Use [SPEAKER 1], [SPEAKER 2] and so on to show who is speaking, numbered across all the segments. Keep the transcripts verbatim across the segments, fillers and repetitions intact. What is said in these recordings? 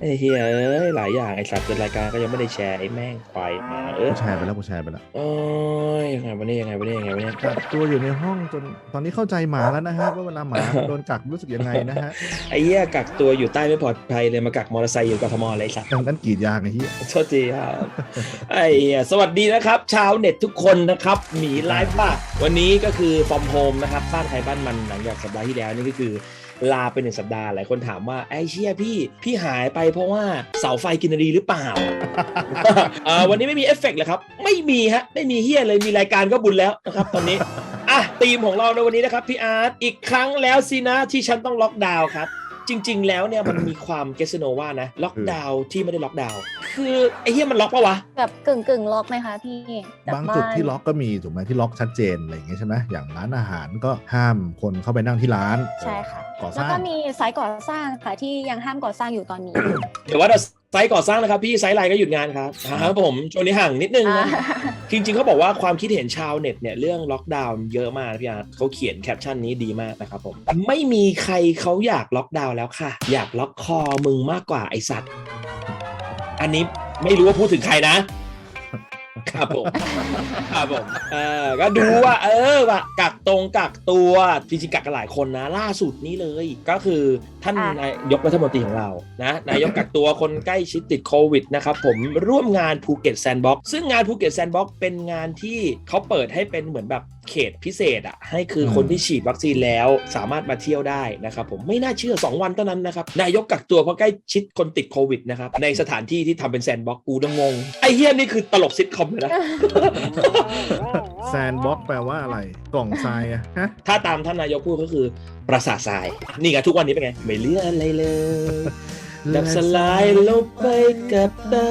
[SPEAKER 1] อ้เฮียเอ้ยหลายอย่างไอ้สัตว์เป็นรายการก็ยังไม่ได้แชร์ไอ้แม่งควายมาเออ
[SPEAKER 2] กูแชร์ไปแล้วกูแชร์ไปแล้ว
[SPEAKER 1] โอ้ยยังไงวะเนี่ยยังไงวะเนี่ยยังไงวะเนี่ย
[SPEAKER 2] กักตัวอยู่ในห้องจนตอนนี้เข้าใจหมาแล้วนะฮะว่าเวลาหมาโดนกักรู้สึกยังไงนะฮะ
[SPEAKER 1] ไอ้เหี้ยกักตัวอยู่ใต้ไม่ปลอดภัยเลยมากักมอเตอร์ไซค์อยู่กทมอะไรสัตว์
[SPEAKER 2] ดังนั้นกรีดยางไอ้เหี้ย
[SPEAKER 1] โทษทีครับไอ้เหี้ยสวัสดีนะครับชาวเน็ตทุกคนนะครับหมีไลฟ์บ้าวันนี้ก็คือฟอร์มโฮมนะครับบ้านใครบ้านมันหลังจากสัปดาห์ที่แล้วนี่ก็คือลาไปหนึ่งสัปดาห์หลายคนถามว่าไอ้เชี่ยพี่พี่หายไปเพราะว่าเสาไฟกินรีหรือเปล่า วันนี้ไม่มีเอฟเฟกต์เลยครับไม่มีฮะไม่มีเฮียเลยมีรายการก็บุญแล้วนะครับตอนนี้อ่ะธีมของเราในวันนี้นะครับพี่อาร์ตอีกครั้งแล้วสินะที่ฉันต้องล็อกดาวน์ครับจริงๆแล้วเนี่ยมันมีความเกสโนว่านะล็อกดาวน์ที่ไม่ได้ล็อกดาวน์คือไอ้เฮียมันล็อกปะวะ
[SPEAKER 3] แบบกึ่งกึ่งล็อกไหมคะพี่
[SPEAKER 2] บางจุดที่ล็อกก็มีถูกไหมที่ล็อกชัดเจนอะไรอย่างเงี้ยใช่ไหมอย่างร้านอาหารก็ห้ามคนเข้าไปนั่งที่ร้าน
[SPEAKER 3] ใช่ค่ะ
[SPEAKER 2] ก่อส
[SPEAKER 3] แล้ว
[SPEAKER 2] ร้าง
[SPEAKER 3] ก็มีไซต์ก่อสร้างค่ะที่ยังห้ามก่อสร้างอยู่ตอนนี้
[SPEAKER 1] เดี๋ยวว่าเราไซต์ก่อสร้างนะครับพี่ไซต์ไลน์ก็หยุดงานครับครับผมช่วงนี้ห่างนิดนึงนะจริงๆเขาบอกว่าความคิดเห็นชาวเน็ตเนี่ยเรื่องล็อกดาวน์เยอะมากพี่อาร์ตเขาเขียนแคปชั่นนี้ดีมากนะครับผมไม่มีใครเขาอยากล็อกดาวน์แล้วค่ะอยากล็อกคอมึงมากกว่าไอสัตว์อันนี้ไม่รู้ว่าพูดถึงใครนะครับผมครับผมเออก็ดูว่าเออว่ากักตรงกักตัวจริงๆกักกันหลายคนนะล่าสุดนี้เลยก็คือท่านนายกรัฐมนตรีของเรานะนายกกักตัวคนใกล้ชิดติดโควิดนะครับผมร่วมงานภูเก็ตแซนด์บ็อกซ์ซึ่งงานภูเก็ตแซนด์บ็อกซ์เป็นงานที่เขาเปิดให้เป็นเหมือนแบบเขตพิเศษอ่ะให้คือคนที่ฉีดวัคซีนแล้วสามารถมาเที่ยวได้นะครับผมไม่น่าเชื่อสองวันเท่านั้นนะครับนายกกักตัวเพราะใกล้ชิดคนติดโควิดนะครับในสถานที่ที่ทำเป็นแซนด์บ็อกซ์กูต้องงงไอ้เหี้ยนี่คือตลกซิทคอมเลยนะ
[SPEAKER 2] แซนบ็อกแปลว่าอะไรกล่องทรายอะฮะ
[SPEAKER 1] ถ้าตามท่านนายกพูดก็คือปราสาททรายนี่ไงทุกวันนี้เป็นไงไม่เหลืออะไรเลยดับสลายลงไปกับตา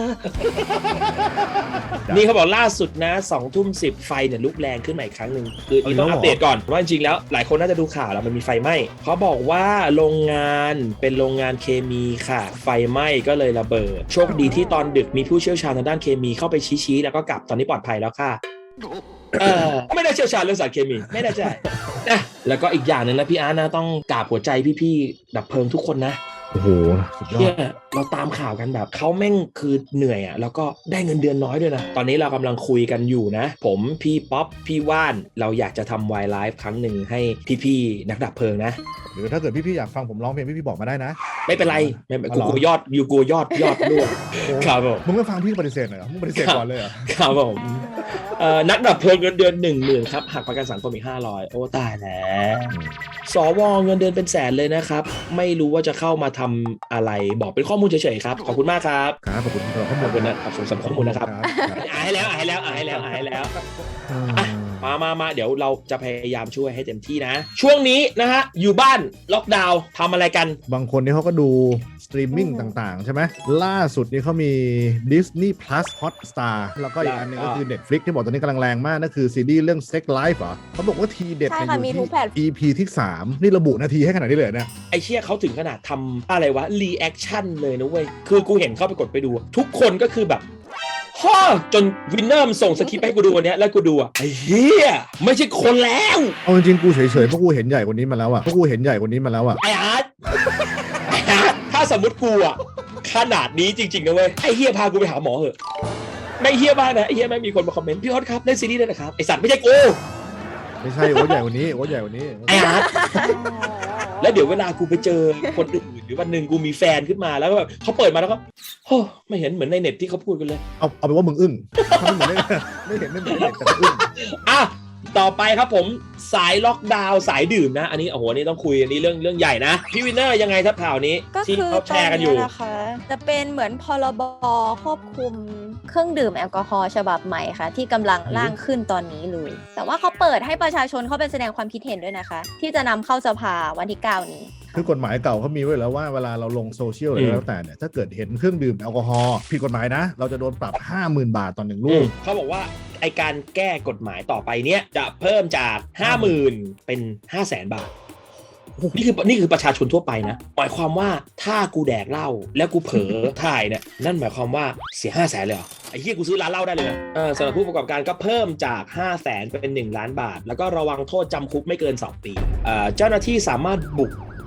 [SPEAKER 1] นี่เขาบอกล่าสุดนะสองทุ่มสิบไฟเนี่ยลุกแรงขึ้นมาอีกครั้งหนึ่งคือนี่ต้องอัปเดตก่อนว่าจริงๆแล้วหลายคนน่าจะดูข่าวแล้วมันมีไฟไหม้เขาบอกว่าโรงงานเป็นโรงงานเคมีค่ะไฟไหม้ก็เลยระเบิดโชคดีที่ตอนดึกมีผู้เชี่ยวชาญทางด้านเคมีเข้าไปชี้ๆแล้วก็กลับตอนนี้ปลอดภัยแล้วค่ะเออไม่ได้เชี่ยวชาญเรื่องสารเคมีไม่ได้ใช่นะแล้วก็อีกอย่างหนึ่งนะพี่อาร์ตนะต้องกราบหัวใจพี่ๆดับเพลิงทุกคนนะ
[SPEAKER 2] โอ้โหสุดยอด
[SPEAKER 1] เราตามข่าวกันแบบเขาแม่งคือเหนื่อยอ่ะแล้วก็ได้เงินเดือนน้อยด้วยนะตอนนี้เรากำลังคุยกันอยู่นะผมพี่ป๊อปพี่ว่านเราอยากจะทำไวไลฟ์ครั้งหนึ่งให้พี่ๆนักดับเพลิงนะ
[SPEAKER 2] หรือถ้าเกิดพี่ๆอยากฟังผมร้องเพลงพี่ๆบอกมาได้นะ
[SPEAKER 1] ไม่เป็นไรไม่กูกลัวยอดอยู่กลัวยอดยอดด้วยครับผม
[SPEAKER 2] มึงไม่ฟังพี่ปฏิเสธหน่อยเหรอมึงปฏิเสธก่อนเลยเหรอ
[SPEAKER 1] ครับผมนักดับเพลิงเงินเดือนหนึ่งหมื่นครับหักประกันสังคมอีกห้าร้อยโอ้ตายแล้วสวเงินเดือนเป็นแสนเลยนะครับไม่รู้ว่าจะเข้ามาทำอะไรบอกเป็นข้อมูลเฉยๆครับขอบคุณมากครับ
[SPEAKER 2] ครับขอบคุณครับ
[SPEAKER 1] ขอบคุณนะครับสำหรับข้อมูลนะครับอ่านให้แล้วอ่านให้แล้วอ่านให้แล้วอ่านให้แล้วมามามาเดี๋ยวเราจะพยายามช่วยให้เต็มที่นะช่วงนี้นะฮะอยู่บ้านล็อกดาวน์ทำอะไรกัน
[SPEAKER 2] บางคนนี่เขาก็ดูสตรีมมิ่งต่างๆใช่ไหมล่าสุดนี่เขามี Disney Plus Hotstar แล้วก็อีกอันนึงก็คือ Netflix ที่บอกตอนนี้กำลังแรงมากนั่นคือซีรีส์เรื่อง Sex Life เหรอเขาบอกว่าทีเด็ดในอยู่ที่ อี พี ที่สามนี่ระบุนาทีให้ขนาดนี้เลยเนี่ย
[SPEAKER 1] ไอเชี่ยเขาถึงขนาดทำอะไรวะรีแอคชั่นเลยนะเว้ยคือกูเห็นเข้าไปกดไปดูทุกคนก็คือแบบฮ่อจนวินเนอร์มส่งสคริปต์ให้กูดูวันนี้แล้วกูดูอ่ะไอ้เหี้ยไม่ใช่คนแล้ว
[SPEAKER 2] เอาจริงๆกูเฉยๆเพราะกูเห็นใหญ่กว่านี้มาแล้วอ่ะเพราะกูเห็นใหญ่กว่านี้มาแล้วอ่ะ
[SPEAKER 1] ไอ้อาร์ตไอ้อาร์ตถ้าสมมติกูอ่ะขนาดนี้จริงๆนะเว้ยไอ้เหี้ยพากูไปหาหมอเหอะไม่เหี้ยบ้างนะไอ้เหี้ยไม่มีคนมาคอมเมนต์พี่ฮอตครับเล่นซีรีส์ด้วยนะครับไอ้สัตว์ไม่ใช่กู
[SPEAKER 2] ไม่ใช่โอ้ใหญ่กว่านี้โอ้ใหญ่กว่านี้
[SPEAKER 1] ไอ้อาร์ตแล้วเดี๋ยวเวลากูไปเจอคนอื่นหรือวันหนึ่งกูมีแฟนขึ้นมาแล้วก็แบบเขาเปิดมาแล้วก็โอ้ไม่เห็นเหมือนในเน็ตที่เขาพูดกันเลย
[SPEAKER 2] เอาเอาไปว่ามึงอึ้งไม่เหมือนไม่เห็นไม่เหมือนในเน็ตแต่อึ้ง
[SPEAKER 1] อ่ะต่อไปครับผมสายล็อกดาวน์สายดื่มนะอันนี้โอ้โหนี่ต้องคุยอันนี้เรื่องเรื่องใหญ่นะพี่วินเนอร์ยังไงครับข่าวนี้
[SPEAKER 3] ที่
[SPEAKER 1] เขาแชร์กันอยู่
[SPEAKER 3] นะคะจะเป็นเหมือนพรบควบคุมเครื่องดื่มแอลกอฮอล์ฉบับใหม่ค่ะที่กำลังร่างขึ้นตอนนี้เลยแต่ว่าเขาเปิดให้ประชาชนเข้าไปแสดงความคิดเห็นด้วยนะคะที่จะนำเข้าสภาวันที่เก้านี้
[SPEAKER 2] คือกฎหมายเก่าเขามีไว้แล้วว่าเวลาเราลงโซเชียลอะไรแล้วแต่เนี่ยถ้าเกิดเห็นเครื่องดื่มแอลกอฮอล์ผิดกฎหมายนะเราจะโดนปรับ ห้าหมื่น บาทต่อหนึ่งลูก
[SPEAKER 1] เขาบอกว่าไอการแก้กฎหมายต่อไปเนี้ยจะเพิ่มจาก ห้าหมื่น เป็น ห้าแสน บาทนี่คือนี่คือประชาชนทั่วไปนะหมายความว่าถ้ากูแดกเหล้าแล้วกูเผลอถ่ายเนี่ยนั่นหมายความว่าเสีย ห้าแสน เลยเหรอไอ้เหี้ยกูซื้อร้านเหล้าได้เลยนะเออสำหรับผู้ประกอบการก็เพิ่มจาก ห้าแสน เป็นหนึ่งล้านบาทแล้วก็ระวังโทษจำคุกไม่เกินสองปีเอ่อเจ้าหน้าที่สามารถบุก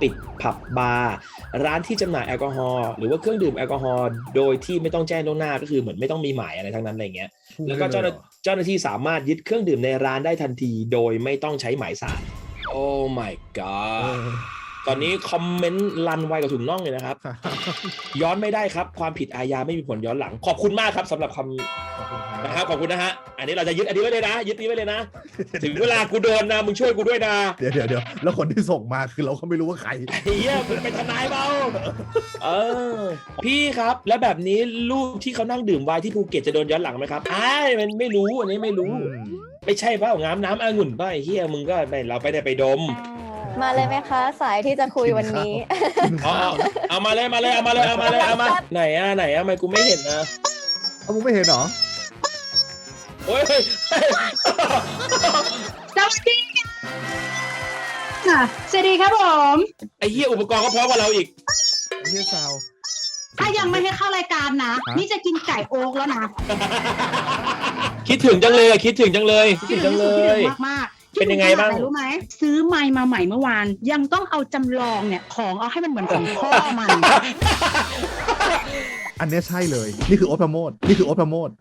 [SPEAKER 1] ปิดผับบาร์ร้านที่จำหน่ายแอลกอฮอล์หรือว่าเครื่องดื่มแอลกอฮอล์โดยที่ไม่ต้องแจ้งล่วงหน้าก็คือเหมือนไม่ต้องมีหมายอะไรทั้งนั้นอะไรเงี้ยแล้วก็เจ้าหน้าเจ้าหน้าที่สามารถยึดเครื่องดื่มในร้านได้ทันทีโดยไม่ต้องใช้หมายสารโอ้ my god ตอนนี้คอมเมนต์ลันไวกับถุงน่องเลยนะครับ ย้อนไม่ได้ครับความผิดอาญาไม่มีผลย้อนหลังขอบคุณมากครับสำหรับคำนะครับขอบคุณนะฮะอันนี้เราจะยึดอันนี้ไว้เลยนะยึดนี้ไว้เลยนะ ถึงเวลากูโดนนะมึงช่วยกูด้วยนะ
[SPEAKER 2] เดี๋ยวเดี๋ยวเดี๋ยวแล้วคนที่ส่งมาคือเราก็ไม่รู้ว่าใคร
[SPEAKER 1] ไอ้เหี้ยมึงเป็นทนายเปล่าเออพี่ครับแล้วแบบนี้ลูกที่เขานั่งดื่มไวน์ที่ภูเก็ตจะโดนย้อนหลังไหมครับอ้ายมันไม่รู้อันนี้ไม่รู้ ไม่ใช่เปล่าน้ำน้ำองุ่นเปล่าไอ้เหี้ยมึงก็ไม่เราไปได้ไปดม
[SPEAKER 3] มาเลยไหมคะสายที่จะคุยวันนี้
[SPEAKER 1] เอาเอาเอามาเลยมาเลยเอามาเลยเอามาเลยเอามาไหนอ่ะไหนอ่ะทำไมกูไม่เห็นนะ
[SPEAKER 2] เอามึงไม่เห็นเหรอ
[SPEAKER 1] โอ้ย
[SPEAKER 4] สวัสดีค่ะสวัสดีครับผม
[SPEAKER 1] ไอ้เหี้ยอุปกรณ์ก็พร้อมกว่าเราอีก
[SPEAKER 2] ไอ้เหี้ยซาว
[SPEAKER 4] ถ้ายังไม่ให้เข้ารายการนะ
[SPEAKER 2] ฮะ
[SPEAKER 4] นี่จะกินไก่โอ๊กแล้วนะ
[SPEAKER 1] คิดถึงจังเลยอะคิดถึงจังเลยคิดถึงจังเลย
[SPEAKER 4] มากมากๆ
[SPEAKER 1] เป็นยังไงบ้าง
[SPEAKER 4] คิดถึขนหนรู้ไหมซื้อไมค์มาใหม่เมื่อวาน ยังต้องเอาจำลองเนี่ยของเอาให้มันเหมือนของพ่อมัน
[SPEAKER 2] อันเนี้ยใช่เลย นี่คือโอ๊ตพระโมดนี่คือโอ๊ตพระโมด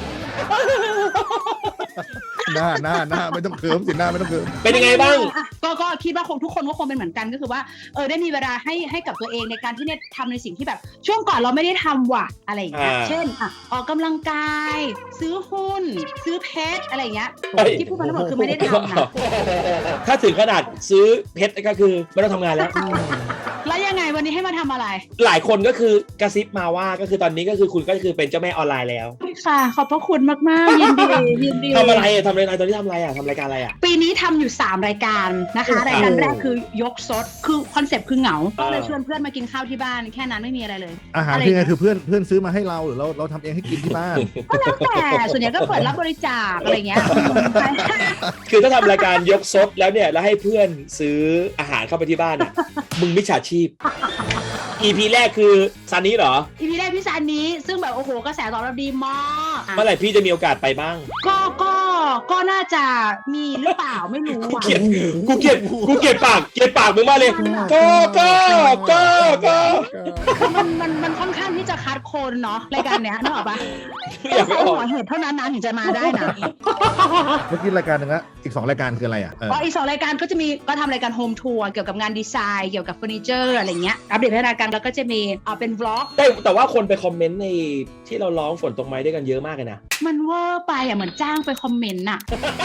[SPEAKER 2] หน้าหน้าหน้าไม่ต้องเคิร์มสิหน้าไม่ต้องเคิร์ม
[SPEAKER 1] เป็นยังไงบ้าง
[SPEAKER 4] อ่ะก็ก็คิดว่าคงทุกคนก็คงเป็นเหมือนกันก็คือว่าเออได้มีเวลาให้ให้กับตัวเองในการที่เนี่ยทำในสิ่งที่แบบ ช่วงก่อนเราไม่ได้ทำว่ะอะไรอย่างเงี้ย
[SPEAKER 1] อ่า
[SPEAKER 4] เช่นอ่ะออกกำลังกาย ซื้อหุ้น ซื้อเพชรอะไรอย่างเงี้ย
[SPEAKER 1] เฮ้ย
[SPEAKER 4] ที่พูดมาทั้งหมดคือไม่ได้ทำนะ
[SPEAKER 1] ถ้าถึงขนาดซื้อเพชรก็คือไม่ต้องทำงานแล้ว
[SPEAKER 4] แล้วยังไงวันนี้ให้มาทำอะไร
[SPEAKER 1] หลายคนก็คือกระซิบมาว่าก็คือตอนนี้ก็คือคุณก็คือเป็นเจ้าแม่ออนไลน์แล้ว
[SPEAKER 4] ค่ะ ขอบพระคุณมากๆยินดียินดี
[SPEAKER 1] ทำอะไรอะทำอะไรตอนนี้ทำอะไรอะทำรายการอะไรอะ
[SPEAKER 4] ปีนี้ทำอยู่สามรายการนะคะ
[SPEAKER 1] โอ้โห
[SPEAKER 4] รายการแรกคือยกซดคือคอนเซปต์คือเหงา
[SPEAKER 1] อ่า
[SPEAKER 4] ก็เลยชวนเพื่อนมากินข้าวที่บ้านแค่นั้นไม่มีอะไรเลย
[SPEAKER 2] อาหาร
[SPEAKER 4] อะไร
[SPEAKER 2] คือไงคือเพื่อนเพื่อนซื้อมาให้เราหรือเราเราทำเองให้กินที่บ้าน
[SPEAKER 4] ก็แล้วแต่ส่วนใหญ่ก็เปิดรับบริจาคอะไรเงี้ย
[SPEAKER 1] คือถ้าทำรายการยกซดแล้วเนี่ยแล้วให้เพื่อนซื้ออาหารเข้าไปที่บ้านอะมึงมิจฉาชีพ อี พี แรกคือซันนี้เหรอ
[SPEAKER 4] อีพีแรกพี่ซานนี้ซึ่งแบบโอ้โหกระแสตอบรับดีมาก
[SPEAKER 1] เมื่อไหร่พี่จะมีโอกาสไปบ้าง
[SPEAKER 4] ก็ก็ก็น่าจะมีหรือเปล่าไม่รู้
[SPEAKER 1] กู
[SPEAKER 4] อ่ะ
[SPEAKER 1] เกลียดกูเกลียดกูเกลียดปากเกลียดปากมึงมากเลยก็ก็ก็ก็
[SPEAKER 4] คือมันมันมันค่อนข้างที่จะคัดโคนเนาะรายการเนี้ยนึกออกปะ
[SPEAKER 1] อยากไป
[SPEAKER 4] ต้อง
[SPEAKER 1] อ
[SPEAKER 4] ใส่
[SPEAKER 1] อก
[SPEAKER 4] หัวเห็ดเท่านั้นนะถึงจะมาได้นะ
[SPEAKER 2] เมื่อกี้รายการหนึงละอีกสองรายการคืออะไรอ่ะเออ
[SPEAKER 4] ก็อีกสองรายการก็จะมีก็ทำรายการโฮมทัวร์เกี่ยวกับงานดีไซน์เกี่ยวกับเฟอร์นิเจอร์อะไรเงี้ยอัปเดตพัฒนาการแล้วก็จะมีอ่าเป็นวล็อก
[SPEAKER 1] แต่แต่ว่าคนไปคอมเมนต์ในที่เราร้องฝนตกไม้ด้วยกันเยอะมากเลยนะ
[SPEAKER 4] มันเวอร์ไปอ่ะเหมือนจ้างไปคอมเมนต์น่ะ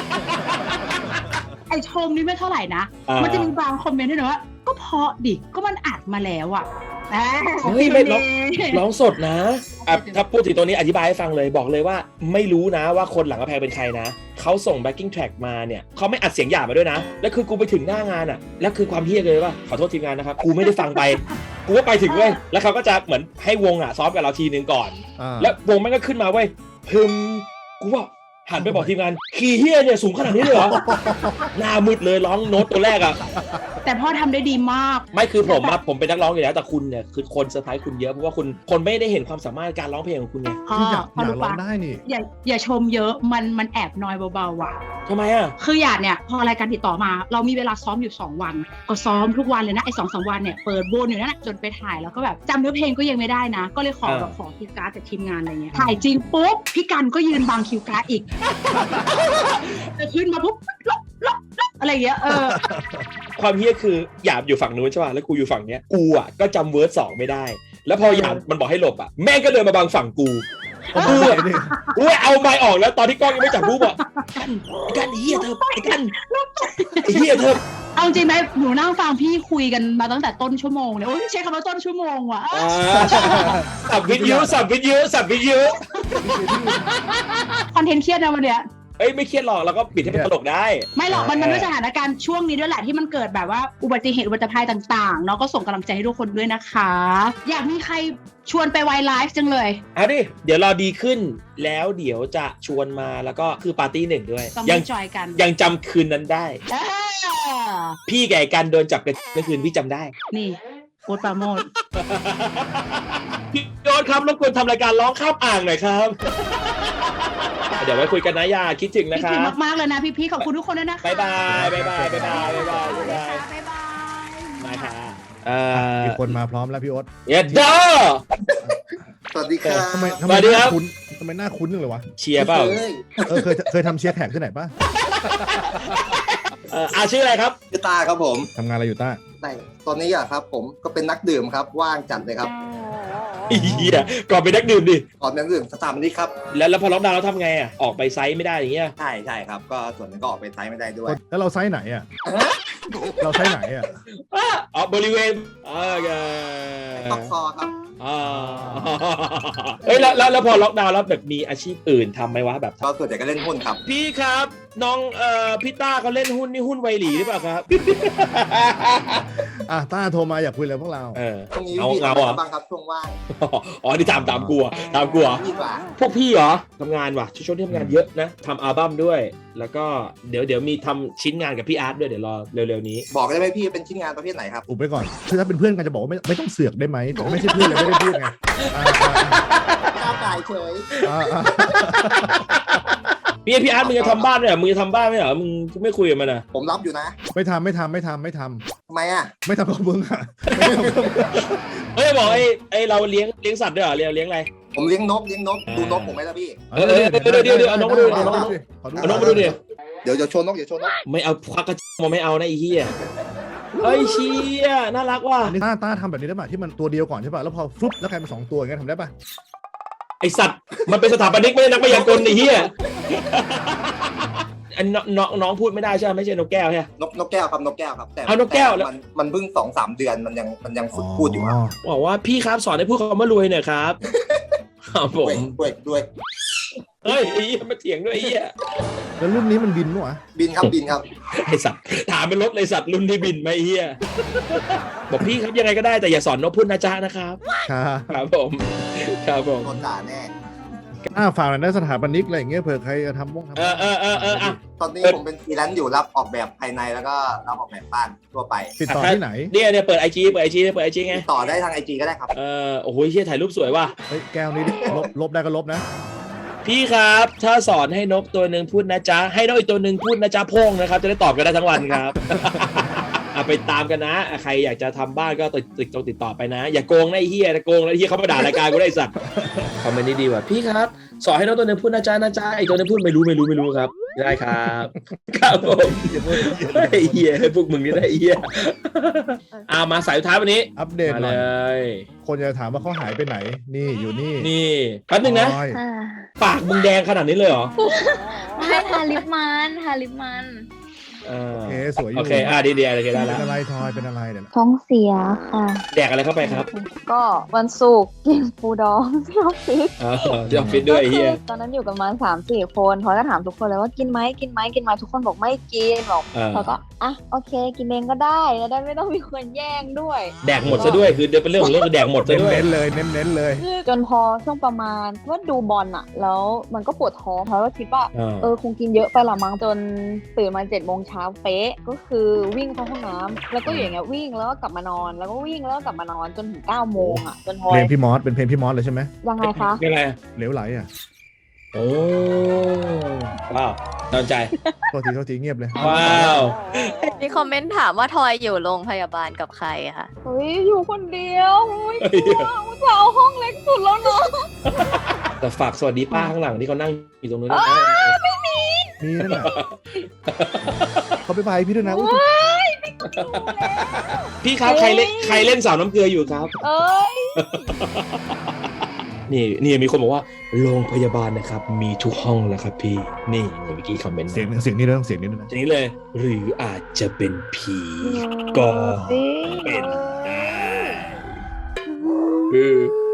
[SPEAKER 4] ไอชมนี่ไม่เท่าไหร่นะ
[SPEAKER 1] อ่ามั
[SPEAKER 4] มันจะมีบางคอมเมนต์ด้วยนะว่าก็เพราะดิก็มันอัดมาแล้วอ่ะอ่า
[SPEAKER 1] เฮ้ยไม่ร้องร้องสดนะอ่ะถ้าพูดถึงตัวนี้อธิบายให้ฟังเลยบอกเลยว่าไม่รู้นะว่าคนหลังกระแพงเป็นใครนะเขาส่ง backing track มาเนี่ยเขาไม่อัดเสียงหยาบมาด้วยนะ แล้วคือกูไปถึงหน้างานอ่ะแล้วคือความเฮี้ยเลยว่าขอโทษทีมงานนะครับกูไม่ได้ฟังไป กูก็ไปถึงเว้ยแล้วเขาก็จะเหมือนให้วงอ่ะซ้อมกับเราทีนึงก่อน
[SPEAKER 2] อ่า
[SPEAKER 1] แล้ววงแม่งก็ขึ้นมาเว้ยพึมกูว่าหันไปบอกทีมงานคีย์เฮียเนี่ยสูงขนาดนี้เลยเหรอ หน้ามืดเลยร้องโน้ตตัวแรกอ่ะ
[SPEAKER 4] แต่พ่อทำได้ดีมาก
[SPEAKER 1] ไม่คือผมอะผมเป็นนักร้องอยู่แล้วแต่คุณเนี่ยคือคนเซอร์ไพรส์คุณเยอะเพราะว่าคุณคนไม่ได้เห็นความสามารถการร้องเพลงของคุณไง
[SPEAKER 4] พ่อ
[SPEAKER 2] ที่อยาก
[SPEAKER 4] พ่อ
[SPEAKER 2] อยาก
[SPEAKER 4] รู้
[SPEAKER 2] ร้อ
[SPEAKER 4] ปะ
[SPEAKER 2] งได้นี่
[SPEAKER 4] อย่าอย่าชมเยอะมันมันแอบน้อยเบาๆว่ะ
[SPEAKER 1] ทำไมอะ
[SPEAKER 4] คือหยาดเนี่ยพอรายการติดต่อมาเรามีเวลาซ้อมอยู่สองวัน ก็ซ้อมทุกวันเลยนะไอ้สองสามวันเนี่ยเปิดวนอยู่นั่นแหละจนไปถ่ายแล้วก็แบบจำเนื้อเพลงก็ยังไม่ได้นะ ก็เลยขอแบบขอคิวการ์ดจากทีมงานอะไรเงี้ยถ่ายจริงปุ๊บพี่กันก็ยืนบังคิวการ์ดอีก แต่ขึ้นมาปุ๊บลบลบลบอะไรอย่างเงี้ยเออ
[SPEAKER 1] ความเฮี้ยคือหยาบอยู่ฝั่งนู้นใช่ป่ะแล้วกูอยู่ฝั่งเนี้ยกูอะก็จำเวิร์ดสองไม่ได้ แล้วพอหยาบมันบอกให้หลบอะแม่งก็เดินมาบังฝั่งกูกูอะกูเอาไม้ออกแล้วตอนที่กล้องยังไม่จับกูบอกกันกันไอ้เฮี้ยเธอไอ้กันไอ้เฮี้ยเธอ
[SPEAKER 4] เอาจริงไหมหนูนั่งฟังพี่คุยกันมาตั้งแต่ต้นชั่วโมงเนี่ยโอ้ยใช้คำว่าต้นชั่วโมงว่ะ
[SPEAKER 1] อ่าสับวิทยุสับวิทยุสับวิทยุ
[SPEAKER 4] คอนเทนต์เครียดนะวันเนี้ย
[SPEAKER 1] เอ้ยไม่เครียดหรอกเราก็ปิดให้เป็นตลกได้
[SPEAKER 4] ไม่หรอกมันมันด้วยสถานการณ์ช่วงนี้ด้วยแหละที่มันเกิดแบบว่าอุบัติเหตุอุบัติภัยต่างๆเนาะก็ส่งกำลังใจให้ทุกคนด้วยนะคะ อยากมีใครชวนไปไวไลฟ์จังเลย
[SPEAKER 1] เอาดิเดี๋ยวรอดีขึ้นแล้วเดี๋ยวจะชวนมาแล้วก็คือปาร์ตี้หนึ่งด้วย
[SPEAKER 4] ต้อง
[SPEAKER 1] ยั
[SPEAKER 4] มาจอยกัน
[SPEAKER 1] ยังจำคืนนั้นได้
[SPEAKER 4] เออ
[SPEAKER 1] พี่แก่กันโดนจับกันเมื่อคืนพี่จำได้
[SPEAKER 4] นี่โอ๊ตปราโมด
[SPEAKER 1] พี่โดนครับรบกวนทำรายการร้องข้ามอ่างหน่อยครับ เดี๋ยวไว้คุยกันนะยาคิดถึงนะ
[SPEAKER 4] พี่
[SPEAKER 1] ครั
[SPEAKER 4] ถึง
[SPEAKER 1] บ
[SPEAKER 4] มากๆเลยนะพี่ๆขอบคุณทุกคนด้วยนะคะ
[SPEAKER 1] บ๊ายบายบ๊ายบายบ๊ายบายบ๊ายบายบ๊ายบาย
[SPEAKER 4] บ๊ายบาย
[SPEAKER 1] มาค่ะเอ่อ
[SPEAKER 2] มีคนมาพร้อมแล้วพี่โอ๊ต
[SPEAKER 1] เอ็ดเดอร์
[SPEAKER 5] สวัสดีครับ
[SPEAKER 2] ทำไมทำ
[SPEAKER 1] ส
[SPEAKER 2] ไม
[SPEAKER 1] วัสดี
[SPEAKER 2] ห
[SPEAKER 1] ครั
[SPEAKER 2] น้า
[SPEAKER 1] บ
[SPEAKER 2] คุ้นทำไมหน้าคุ้นจังเลยวะ
[SPEAKER 1] เชียร์เปล่า
[SPEAKER 5] เฮ้ย
[SPEAKER 2] เออเคยเคยทำเชียร์แขกที่ไหนป่ะ
[SPEAKER 1] เอ่ออาชื่ออะไรครับ
[SPEAKER 5] ชื่อตาครับผม
[SPEAKER 2] ทำงานอะไรอยู่ต้า
[SPEAKER 5] แต่ตอนนี้อะครับผมก็เป็นนักดื่มครับว่างจัดเลยครับ
[SPEAKER 1] ไอ้เหี้ยก่อนไปนนักดื่มดิ
[SPEAKER 5] ก่อนนักดื่มสถาบันนี้ครับ
[SPEAKER 1] แล้วแล้วพอล็อกดาวน์แล้วทำไงอ่ะ ออกไปไซต์ไม่ได้อย่างเงี้ย
[SPEAKER 5] ใช่ใช่ครับ ก็ส่วนหนึงก็ออกไปไซต์ไม่ได้ด้วย
[SPEAKER 2] แล้วเราไซส์ไหนอ่ะเราไซส์ไหนอ่ะ
[SPEAKER 1] อ๋อบริเวณโอเค
[SPEAKER 5] ท็อปคอครับ
[SPEAKER 1] อ่าเฮ้ยแล้วแล้วแล้วพอล็อกดาวน์แล้วแบบมีอาชีพอื่นทำไหมวะแบบ
[SPEAKER 5] ก็ส่วนใหญ่ก็เล่นหุ้นครับ
[SPEAKER 1] พี่ครับ น้องเอ่อพี่ต้าเขาเล่นหุ้นนี่หุ้นไวหลีหรือเปล่าครับ
[SPEAKER 2] อ่ะต้าโทรมาอยากคุยอะไรพวกเรา
[SPEAKER 1] เออ
[SPEAKER 5] ช่วงนี้
[SPEAKER 1] เอา
[SPEAKER 5] พี่
[SPEAKER 1] เอา
[SPEAKER 5] ทำอะไร
[SPEAKER 1] อ่ะ
[SPEAKER 5] บ้างครับช่วงว่าง
[SPEAKER 1] อ๋อนี่ตามตามกลัวตามกลัว
[SPEAKER 5] ดีกว่า
[SPEAKER 1] พวกพี่เหรอทำงานว่ะช่วงที่ทำงานเยอะนะทำอัลบั้มด้วย แล้วก็เดี๋ยวเดี๋ยวมีทำชิ้นงานกับพี่อาร์ตด้วยเดี๋ยวรอเร็วๆนี้
[SPEAKER 5] บอกได้ไหมพี่เป็นชิ้นงานประเภทไหนครับ
[SPEAKER 2] อุบไปก่อนคือถ้าเป็นเพื่อนกันจะบอกว่าไม่ไม่ต้องเสือกได้ไหมแต่ว่าไม่ใช่เพื่อนเลยไม่ได้พูดไงอ่า
[SPEAKER 5] ก้าวไก่เฉย
[SPEAKER 2] อ่าอ่า
[SPEAKER 1] พี่พี่อาร์ตมึงจะทำบ้านไหมเหรอมึงจะทำบ้านไหมเหรอมึงไม่คุยกับมันอ่ะ
[SPEAKER 5] ผมรับอยู่นะ
[SPEAKER 2] ไม่ทำไม่ทำไม่ทำไม่ท
[SPEAKER 5] ทำไมอ่ะ
[SPEAKER 2] ำไม่ทำกับมึงอ่ะไม่ทำกับมึง
[SPEAKER 1] เฮ้ยบอกไอ้ไอ้เราเลี้ยงเลี้ยงสัตว์ด้วยเหรอเลี้ยงเลี้ยงอะไร
[SPEAKER 5] ผมเลี้ยงนกเลี้ยงนกดูนกผมไหมล่ะพี่
[SPEAKER 1] เออเออเดี๋ยวเดี๋ยวเดี๋ยวเอาน้องมาดูเอาน้องมาดู
[SPEAKER 2] ขอดู
[SPEAKER 1] เอาน้องมาดูดิ
[SPEAKER 5] เดี๋ยวเดี๋ยวโชว์นกเดี๋ยวโชว์นก
[SPEAKER 1] ไม่เอาควักกระมาไม่เอานะไอ้เหี้ยเฮ้ยเชี่ยน่ารักว่ะ
[SPEAKER 2] อันนี้ต้าต้าทำแบบนี้ได้ป่ะที่มันตัวเดียวก่อนใช่ป่ะแล้วพอฟลุ๊บแล้วกลายเป็นสองตัวอย่างเงี้ยทำได้ป่ะ
[SPEAKER 1] ไอสัตว์มันเป็นสถาปนิกไม่ใช่นักพยากรณ์ไอ้เหี้ยอันน้องน้องน้องพูดไม่ได้ใช่ไหมไม่ใช่นกแก้วใช่ไหม
[SPEAKER 5] นกนกแก้วครับนกแก้วครับแต่
[SPEAKER 1] เอานกแก้วแล้ว
[SPEAKER 5] มันมันเพิ่งสองสามเดือนมันยังมันยังฝึกพูดอยู่ครับ
[SPEAKER 1] บอกว่าพี่ครับสอนให้พูดคำว่ารวยหน่อยครับครับผ
[SPEAKER 5] ด้วย
[SPEAKER 1] ม
[SPEAKER 5] ด้วยด้วย
[SPEAKER 1] เฮ้ยไอ้เหี้ยมาเถียงด้วยไอ้เหี้ย
[SPEAKER 2] แล้วรุ่นนี้มันบินมั้วะ
[SPEAKER 5] บินครับบินครับ
[SPEAKER 1] ไอสัตว์ถามเป็นรถเลยสัตว์รุ่นที่บินไหมไอ้เหี้ยบอกพี่ครับยังไงก็ได้แต่อย่าสอนนกพูดนะจ๊ะนะครับ
[SPEAKER 2] ค่ะ
[SPEAKER 1] ครับผมครับผม
[SPEAKER 5] โดนด่าแน่
[SPEAKER 2] อ้าฝากหน่อยได้สถาปนิกอะไรอย่างเงี้ยเผื่อใครจะทำวงทำ
[SPEAKER 1] เออเออเออเอออ่ะ
[SPEAKER 5] ตอนนี้ผมเป็นฟรีแลนซ์อยู่รับออกแบบภายในแล้วก็รับออกแบบบ้านทั่วไป
[SPEAKER 2] ติดต่อที่ไหน
[SPEAKER 1] เนี่ยเนี่ยเปิดไอจีเปิดไอจีเปิดไอจีไง
[SPEAKER 5] ต่อได้ทางไอจีก็ได้ครับ
[SPEAKER 1] เออโอ้โหเชี่ยถ่ายรูปสวยว่ะ
[SPEAKER 2] เฮ้ยแก้วนี้ดิลบลบได้ก็ลบนะ
[SPEAKER 1] พี่ครับถ้าสอนให้นกตัวหนึ่งพูดนะจ๊ะให้นกอีกตัวหนึ่งพูดนะจ๊ะโพ่งนะครับจะได้ตอบกันได้ทั้งวันครับ อ่ะไปตามกันนะอ่ะใครอยากจะทำบ้านก็ติดติดติดต่อไปนะ อย่าโกงนะไอ้เฮียนะโกงแล้วไอ้เฮียเขามาด่ารายการกูได้ไอ้สัตว์คอมเมนต์นี้ดีว่ะพี่ครับสอนให้นกตัวหนึ่งพูดนะจ๊ะนะจ๊ะไอ้ตัวหนึงพูดไม่รู้ไม่รู้ไม่รู้ครับได้ครับครับผมไอ้เฮียพวกมึงนี่ได้ไอ้เฮียอ่ามาสายสุดท้ายวันนี้
[SPEAKER 2] อัปเดต
[SPEAKER 1] มา
[SPEAKER 2] หน่
[SPEAKER 1] เล
[SPEAKER 2] อย
[SPEAKER 1] ย
[SPEAKER 2] คนจะถามว่าเขาหายไปไหน นี่อยู่นี่
[SPEAKER 1] นี่แป๊บนึงนะ
[SPEAKER 2] ออย
[SPEAKER 6] อ่า
[SPEAKER 1] ปากมึงแดงขนาดนี้เลยเหรอ
[SPEAKER 6] ให้ทาลิปมันทาลิปมัน
[SPEAKER 1] อ่า
[SPEAKER 2] โอเคสวยอยู่
[SPEAKER 1] โอเคอ่าดีๆโอเคได้
[SPEAKER 2] เป็
[SPEAKER 1] แล้ว
[SPEAKER 2] นอะไรทอยเป็นอะไรเดี๋ยวนะ
[SPEAKER 6] ท้องเสียค่ะ
[SPEAKER 1] แดกอะไรเข้าไปครับ
[SPEAKER 6] ก็วันศุกร์กินปูดองที่ออฟฟิศ
[SPEAKER 1] อ๋อที่ออฟฟิศด้วยไอ้เฮีย
[SPEAKER 6] ตอนนั้นอยู่กันมาสามสี่คนพลอยก็ถามทุกคนเลยว่ากินไหมกินไหมกินไหมทุกคนบอกไม่กินบอก
[SPEAKER 1] อ่า
[SPEAKER 6] พลอยก็อ่ะโอเค กินเองก็ได้แล้วได้ไม่ต้องมีคนแย่งด้วย
[SPEAKER 1] แดกหมดซะด้วยคือเป็นเรื่องของเรื่องคือแดกหมดซะด้วย
[SPEAKER 2] เน้นๆเลยเน้นๆเลย
[SPEAKER 6] คือจนพอช่วงประมาณว่าดูบอลอะแล้วมันก็ปวดท้องเพราะว่าคิดว่า
[SPEAKER 1] อ่า
[SPEAKER 6] เออคงกินเยอะไปละมั้งจนตื่นมาเจ็ดโมงเช้าเป๊ะก็คือวิ่งเข้าห้องน้ำแล้วก็อยู่อย่างเงี้ยวิ่งแล้วก็กลับมานอน แล้วก็วิ่งแล้วก็กลับมานอนจนถึงเก้าโมงอะจนพลอ
[SPEAKER 2] เพล
[SPEAKER 6] ย
[SPEAKER 2] งพี่มอสเป็นเพลงพี่มอสเลยใช่ไหม
[SPEAKER 6] ยังไงคะ
[SPEAKER 1] ยังไง
[SPEAKER 2] เหลวไหลอ่ะ
[SPEAKER 1] โอ้ว้าวตอนใจ
[SPEAKER 2] โทษทีโทษทีเงียบเลย
[SPEAKER 1] ว้าว
[SPEAKER 3] มีคอมเมนต์ถามว่าทอยอยู่โรงพยาบาลกับใครคะ
[SPEAKER 6] เฮ้ยอยู่คนเดียวอุ้ยกลัวอุตส่าห์เอาห้องเล็กสุดแล้วเนาะ
[SPEAKER 1] แต่ฝากสวัสดีป้าข้างหลังที่เขานั่งอยู่ตรงนู้นด้วยนะ
[SPEAKER 2] มีนั่นแหละเขาไปบายพี่ด้วยนะอุ๊ย
[SPEAKER 1] พี่ครับใครเล่นใครเล่นสาวน้ำเกลืออยู่ครับ
[SPEAKER 6] เอ้ย
[SPEAKER 1] นี่นี่มีคนบอกว่าโรงพยาบาลนะครับ มีทุกห้องแล้วครับพี่ นี่เมื่อกี้คอมเมนต์
[SPEAKER 2] เสียงเสียงนี้ด้วยเสียงนี้ด้วยนะ
[SPEAKER 1] ทีนี้เลย หรืออาจจะเป็นผีก็เป็นได้คือ